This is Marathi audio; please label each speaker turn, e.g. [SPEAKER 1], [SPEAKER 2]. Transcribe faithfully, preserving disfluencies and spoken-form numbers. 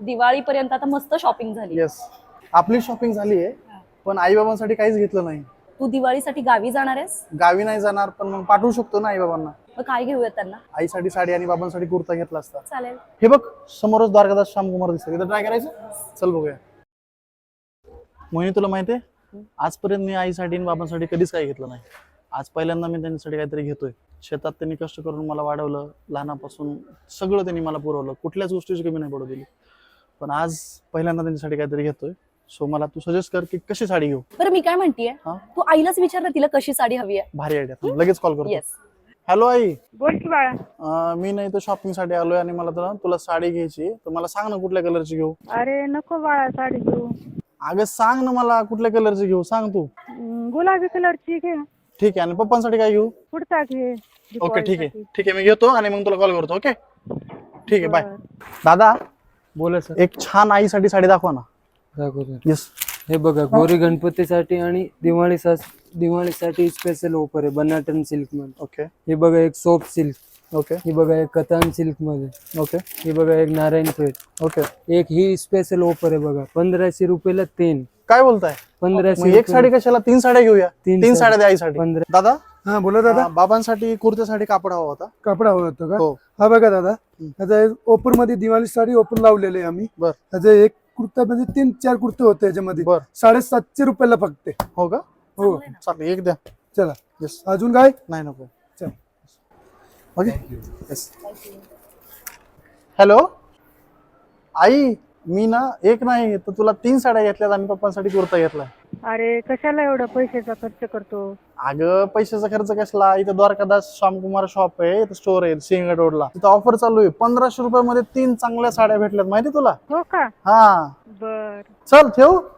[SPEAKER 1] दिवाळी पर्यंत आता मस्त शॉपिंग झाली.
[SPEAKER 2] येस, आपली शॉपिंग झाली आहे, पण आई बाबांसाठी काहीच घेतलं नाही.
[SPEAKER 1] तू दिवाळीसाठी गावी जाणार आहेस?
[SPEAKER 2] गावी नाही जाणार, पण मग पाठवू शकतो ना आई बाबांना.
[SPEAKER 1] मग काय घेऊयात त्यांना?
[SPEAKER 2] आईसाठी साडी आणि बाबांसाठी कुर्ता घेतला असता.
[SPEAKER 1] चालेल.
[SPEAKER 2] हे बघ समोरच द्वारकादास श्यामकुमार दिसतं, इथं ट्राय करायचं. चल बघूया. मोहिनी, तुला माहितीये आजपर्यंत मी आईसाठी आणि बाबांसाठी कधीच काही घेतलं नाही. आज पहिल्यांदा मी त्यांच्यासाठी काहीतरी घेतोय. शेतात त्यांनी कष्ट करून मला वाढवलं, लहानापासून सगळं त्यांनी मला पुरवलं, कुठल्याच गोष्टीची कमी नाही पडू दिली. पण आज पहिल्यांदा त्यांच्यासाठी काहीतरी घेतोय. सो मला तू सजेस्ट कर की कशी साडी घेऊ.
[SPEAKER 1] बरं मी काय म्हणतीये, तू आईलाच विचारलं तिला कशी साडी हवी आहे.
[SPEAKER 2] भारी आयडिया, लगेच कॉल करतो.
[SPEAKER 1] येस.
[SPEAKER 2] हॅलो आई.
[SPEAKER 3] बोल की बाळा.
[SPEAKER 2] अं, मी नाही तर शॉपिंग साठी आलोय आणि मला तुला तुला साडी घ्यायची, तर मला सांग ना कुठल्या कलरची घेऊ.
[SPEAKER 3] अरे नको बाळा साडी घेऊ.
[SPEAKER 2] अगं सांग ना मला कुठल्या कलरची घेऊ, सांग तू.
[SPEAKER 3] हम्म, गुलाबी कलरची घे.
[SPEAKER 2] ठीक आहे. आणि पप्पांसाठी काय घेऊ?
[SPEAKER 3] कुर्ता घे.
[SPEAKER 2] ओके ठीक आहे ठीक आहे, मी घेतो आणि मग तुला कॉल करतो. ओके ठीक आहे, बाय. दादा
[SPEAKER 4] बोला सर.
[SPEAKER 2] एक छान आईसाठी साडी दाखवा ना.
[SPEAKER 4] दाखवतो.
[SPEAKER 2] येस.
[SPEAKER 4] हे बघा गौरी गणपतीसाठी आणि दिवाळी दिवाळीसाठी स्पेशल ऑफर आहे बनाटन सिल्क मध्ये.
[SPEAKER 2] ओके
[SPEAKER 4] हे बघा एक सॉफ्ट सिल्क.
[SPEAKER 2] ओके
[SPEAKER 4] हे बघा एक कतान सिल्क मध्ये.
[SPEAKER 2] ओके
[SPEAKER 4] हे बघा एक नारायणपेठ.
[SPEAKER 2] ओके.
[SPEAKER 4] एक ही स्पेशल ऑफर आहे बघा, पंधराशे रुपयाला तीन.
[SPEAKER 2] काय बोलताय?
[SPEAKER 4] पंधराशे
[SPEAKER 2] मग एक साडी कशाला, तीन साड्या घेऊया.
[SPEAKER 4] तीन
[SPEAKER 2] तीन
[SPEAKER 4] साड्या.
[SPEAKER 2] साड्या द्या आईसाठी.
[SPEAKER 4] पंधरा.
[SPEAKER 2] दादा
[SPEAKER 5] हा बोला दादा.
[SPEAKER 2] अं, बाबांसाठी कुर्त्यासाठी कापड हवा होता.
[SPEAKER 5] कापड हवं होतं का?
[SPEAKER 2] हो.
[SPEAKER 5] हा बघा दादा, आता ओपन मध्ये दिवाळी साडी ओपन लावलेले आम्ही.
[SPEAKER 2] बर.
[SPEAKER 5] त्याचा एक कुर्ता म्हणजे तीन चार कुर्ते होते याच्यामध्ये.
[SPEAKER 2] बर.
[SPEAKER 5] साडेसातशे रुपयाला फक्त.
[SPEAKER 2] हो का?
[SPEAKER 5] हो
[SPEAKER 2] चालेल, एक द्या.
[SPEAKER 5] चला.
[SPEAKER 2] येस.
[SPEAKER 5] अजून काय?
[SPEAKER 2] नाही नको.
[SPEAKER 5] चल.
[SPEAKER 2] ओके. येस. हॅलो आई, मी ना एक नाही तर तुला तीन साड्या घेतल्यात आणि पप्पांसाठी कुर्ता घेतलाय.
[SPEAKER 3] अरे कशाला एवढा पैशाचा खर्च करतो?
[SPEAKER 2] अगं पैशाचा खर्च कसला, इथं द्वारकादास श्यामकुमार शॉप आहे, इथं स्टोर आहे सिंहगड रोडला. तिथं ऑफर चालू आहे. पंधराशे रुपयामध्ये तीन चांगल्या साड्या भेटल्यात, माहिती तुला?
[SPEAKER 3] हो का?
[SPEAKER 2] हा
[SPEAKER 3] बर.
[SPEAKER 2] चल ठेवू.